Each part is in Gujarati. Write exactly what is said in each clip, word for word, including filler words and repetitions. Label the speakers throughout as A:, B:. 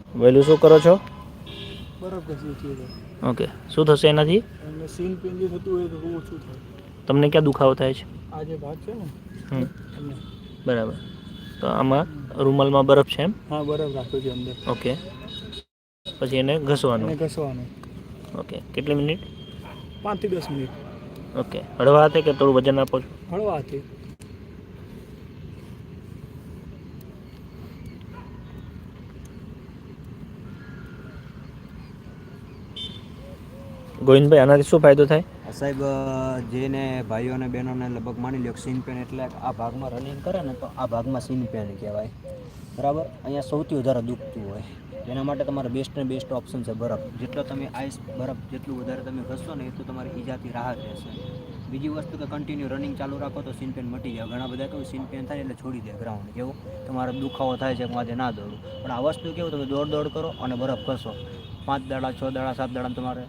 A: વહેલું શું કરો છો?
B: બરફ ઘસી છીએ તો
A: ઓકે, શું થશે એનાથી?
B: અને સીન પેન જે થતું હોય તો બહુ ઓછું થાય.
A: તમને ક્યાં દુખાવો થાય છે?
B: આ જે ભાગ છે ને
A: હમ
B: અહીંયા.
A: બરાબર, તો આમાં રૂમાલમાં બરફ છે એમ?
B: હા, બરફ રાખ્યો છે અંદર.
A: ઓકે, પછી એને ઘસવાનું.
B: એને ઘસવાનું
A: ઓકે, કેટલી મિનિટ?
B: પાંચથી દસ મિનિટ.
A: ઓકે, હળવા હાથે કે થોડું વજન આપો છો?
B: હળવા હાથે.
A: ગોવિંદભાઈ, આનાથી શું ફાયદો થાય?
C: સાહેબ, જેને ભાઈઓ અને બહેનોને લગભગ માની લો સીન પેન એટલે આ ભાગમાં રનિંગ કરે ને તો આ ભાગમાં સીન પેન કહેવાય, બરાબર. અહીંયા સૌથી વધારે દુખતું હોય, એના માટે તમારે બેસ્ટ ને બેસ્ટ ઓપ્શન છે બરફ. જેટલો તમે આઈસ બરફ જેટલું વધારે તમે ઘસશો ને એટલું તમારી ઈજાથી રાહત રહેશે. બીજી વસ્તુ કે કન્ટિન્યુ રનિંગ ચાલુ રાખો તો સીન પેન મટી જાય. ઘણા બધા કેવું સીન પેન થાય એટલે છોડી દે ગ્રાઉન્ડ, કેવું તમારે દુખાવો થાય છે આજે ના દોડું. પણ આ વસ્તુ કેવું, તમે દોડ દોડ કરો અને બરફ ઘસો, પાંચ દાડા છ દાડા સાત દાડા તમારે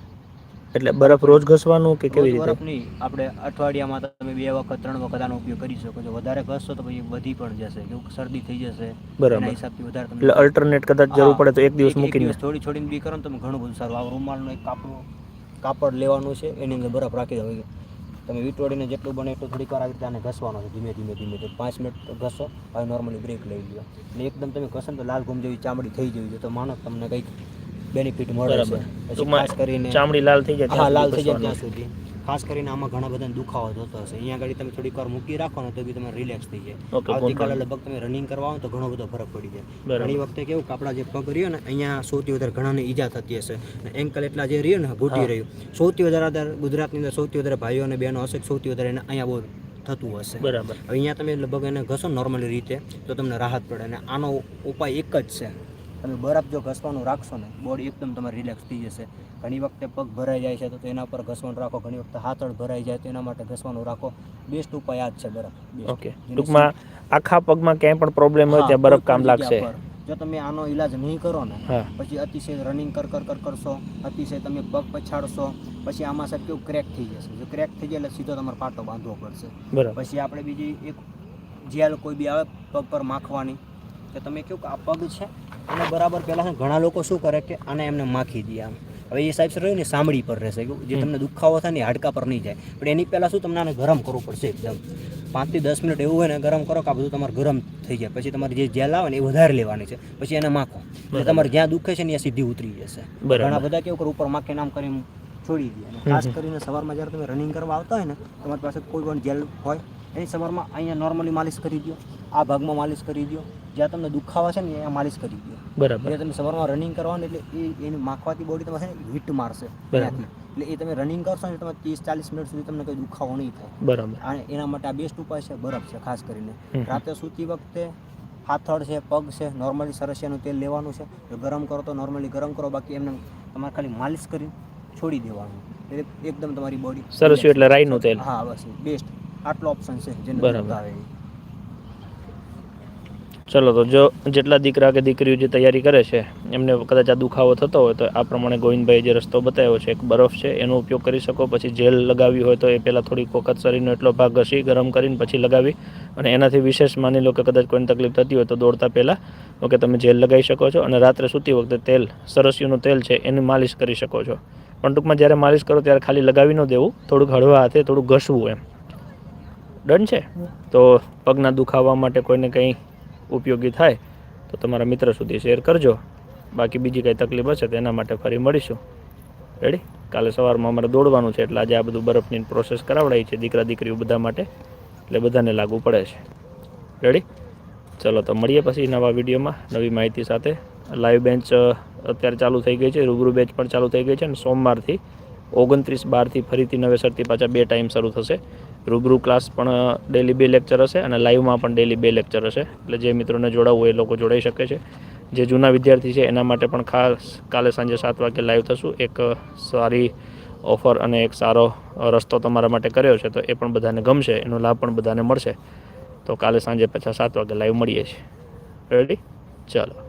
A: એટલે બરફ રોજ ઘસવાનું કે
C: રોજ
A: કેવી રીતે?
C: બરફ નહીં, આપણે અઠવાડિયામાં તમે બે વખત ત્રણ વખત આનો ઉપયોગ કરી શકો છો. વધારે ઘસશો તો પછી વધી પણ જશે, જો શરદી થઈ જશે એના
A: બરાબર,
C: હિસાબથી વધારે તમે
A: એટલે અલ્ટરનેટ કદાચ જરૂર પડે તો એક દિવસ
C: એક
A: મૂકીને.
C: દિવસ થોડી છોડીને બી કરો ને તમે ઘણું બધું સારું. આ રૂમાલનું એક કાપડું કાપડ લેવાનું છે, એની અંદર બરફ રાખી દો. તમે વીંટોળીને જેટલું બને એટલું થોડીક વાર આવી રીતે આને ઘસવાનો છે, ધીમે ધીમે ધીમે તો પાંચ મિનિટ ઘસો. હવે નોર્મલી બ્રેક લઈ લો એટલે એકદમ તમે ઘસો ને તો લાલ ગુમ જેવી ચામડી થઈ જવી છે, તો માનો તમને કંઈક બેનિફિટ મળે છે. પછી ખાસ કરીને
A: ચામડી લાલ થઈ જાય,
C: હા, લાલ થઈ જાય ત્યાં સુધી. ખાસ કરીને આમાં ઘણા બધા દુખાવો થતો હશે, અહીંયા આગળ તમે થોડીક વાર મૂકી રાખો ને તો બી તમે રિલેક્સ થઈ જાય. આવતીકાલે લગભગ તમે રનિંગ કરવા આવો તો ઘણો બધો ફરક પડી જાય. ઘણી વખતે કેવું કે આપણા જે પગ રહ્યો ને અહીંયા સૌથી વધારે ઘણાને ઈજા થતી હશે, એન્કલ એટલા જે રહ્યું ને ઘૂંટી રહ્યું, સૌથી વધારે ગુજરાતની અંદર સૌથી વધારે ભાઈઓ અને બહેનો હશે, સૌથી વધારે એને અહીંયા બહુ થતું હશે.
A: બરાબર,
C: હવે અહીંયા તમે લગભગ એને ઘસો નોર્મલી રીતે તો તમને રાહત પડે. અને આનો ઉપાય એક જ છે, તમે બરફ જો ઘસવાનું રાખશો ને બોડી એકદમ તમારી રિલેક્સ થઈ જશે. ઘણી વખતે પગ ભરાઈ જાય છે તો એના પર ઘસવાનું રાખો, ઘણી વખતે હાથળ ભરાઈ જાય તો એના માટે ઘસવાનું રાખો. બેસ્ટ ઉપાય આ જ છે બરફ.
A: ઓકે, ટૂંકમાં આખા પગમાં ક્યાંય પણ પ્રોબ્લેમ હોય ત્યાં બરફ કામ લાગશે.
C: જો તમે આનો ઈલાજ નહીં કરો ને
A: હા,
C: પછી અતિશય રનિંગ કર કર કર કરશો, અતિશય તમે પગ પછાડશો, પછી આમાં સાહેબ કેવું ક્રેક થઈ જશે. જો ક્રેક થઈ જાય એટલે સીધો તમારે પાટો બાંધવો પડશે.
A: બરાબર.
C: પછી આપણે બીજી એક જેલ કોઈ બી આવે પગ પર માખવાની, કે તમે કેવું કે આ પગ છે અને બરાબર પહેલાં ઘણા લોકો શું કરે કે આને એમને માખી દે આમ. હવે એ સાહેબ રહ્યું ને સાંભળી પર રહેશે, જે તમને દુખાવો થાય ને હાડકા પર નહીં જાય. પણ એની પહેલાં શું તમને આને ગરમ કરવું પડશે એકદમ પાંચથી દસ મિનિટ એવું હોય ને ગરમ કરો કે આ બધું તમારે ગરમ થઈ જાય. પછી તમારી જે જેલ આવે ને એ વધારે લેવાની છે, પછી એને માખો એટલે તમારે જ્યાં દુખે છે ને ત્યાં સીધી ઉતરી જશે. ઘણા બધા કેવું કરે ઉપર માખે નામ કરીને છોડી દે. અને ખાસ કરીને સવારમાં જ્યારે તમે રનિંગ કરવા આવતા હોય ને તમારી પાસે કોઈ પણ જેલ હોય એની સવારમાં અહીંયા નોર્મલી માલિશ કરી દો, આ ભાગમાં માલિશ કરી દો, જ્યાં તમને દુખાવા છે ને અહીંયા માલિશ કરી દો. બરાબર, એટલે તમે સવારમાં રનિંગ કરવાનું એટલે એ એની માખવાથી બોડી તમારે હીટ મારશે ત્યાંથી. એટલે એ તમે રનિંગ કરશો ને તમે ત્રીસ ચાલીસ મિનિટ સુધી તમને કોઈ દુખાવો નહીં થાય.
A: બરાબર,
C: અને એના માટે આ બેસ્ટ ઉપાય છે બરફ છે. ખાસ કરીને રાતે સૂતી વખતે હાથળ છે, પગ છે, નોર્મલી સરસિયાનું તેલ લેવાનું છે. જો ગરમ કરો તો નોર્મલી ગરમ કરો, બાકી એમને તમારે ખાલી માલિશ કરી છોડી દેવાનું એટલે એકદમ તમારી બોડી
A: સરસ્યું એટલે રાઈનું તેલ.
C: હા, બસ બેસ્ટ આટલો ઓપ્શન છે જેને
A: બરાબર
C: આવે.
A: ચલો, તો જો જેટલા દીકરા કે દીકરીઓ જે તૈયારી કરે છે એમને કદાચ આ દુખાવો થતો હોય તો આ પ્રમાણે ગોવિંદભાઈ જે રસ્તો બતાવ્યો છે, એક બરફ છે એનો ઉપયોગ કરી શકો. પછી જેલ લગાવી હોય તો એ પહેલાં થોડીક વખત શરીરનો એટલો ભાગ ઘસી ગરમ કરીને પછી લગાવી. અને એનાથી વિશેષ માની લો કે કદાચ કોઈને તકલીફ થતી હોય તો દોડતા પહેલાં ઓકે તમે જેલ લગાવી શકો છો. અને રાત્રે સૂતી વખતે તેલ સરસ્યુંનું તેલ છે એની માલિશ કરી શકો છો. પણ ટૂંકમાં જ્યારે માલિશ કરો ત્યારે ખાલી લગાવી ન દેવું, થોડુંક હળવા હાથે થોડુંક ઘસવું એમ. ડન છે? તો પગના દુખાવા માટે કોઈને કંઈ ઉપયોગી થાય તો તમારા મિત્ર સુધી શેર કરજો. બાકી બીજી કંઈ તકલીફ હશે તો એના માટે ફરી મળીશું. રેડી? કાલે સવારમાં અમારે દોડવાનું છે એટલે આજે આ બધું બરફની પ્રોસેસ કરાવડાવી છે દીકરા દીકરીઓ બધા માટે, એટલે બધાને લાગુ પડે છે. રેડી? ચલો, તો મળીએ પછી નવા વિડીયોમાં નવી માહિતી સાથે. લાઈવ બેન્ચ અત્યારે ચાલુ થઈ ગઈ છે, રૂબરૂ બેચ પણ ચાલુ થઈ ગઈ છે. અને સોમવારથી ઓગણત્રીસ બારથી ફરીથી નવેસરથી પાછા બે ટાઈમ શરૂ થશે. રૂબરૂ ક્લાસ પણ ડેલી બે લેક્ચર હશે અને લાઈવમાં પણ ડેલી બે લેક્ચર હશે. એટલે જે મિત્રોને જોડાવવું હોય એ લોકો જોડાઈ શકે છે. જે જૂના વિદ્યાર્થી છે એના માટે પણ ખાસ કાલે સાંજે સાત વાગે લાઈવ થશું. એક સારી ઓફર અને એક સારો રસ્તો તમારા માટે કર્યો છે, તો એ પણ બધાને ગમશે, એનો લાભ પણ બધાને મળશે. તો કાલે સાંજે પાછા સાત વાગે લાઈવ મળીએ છીએ. રેડી? ચાલો.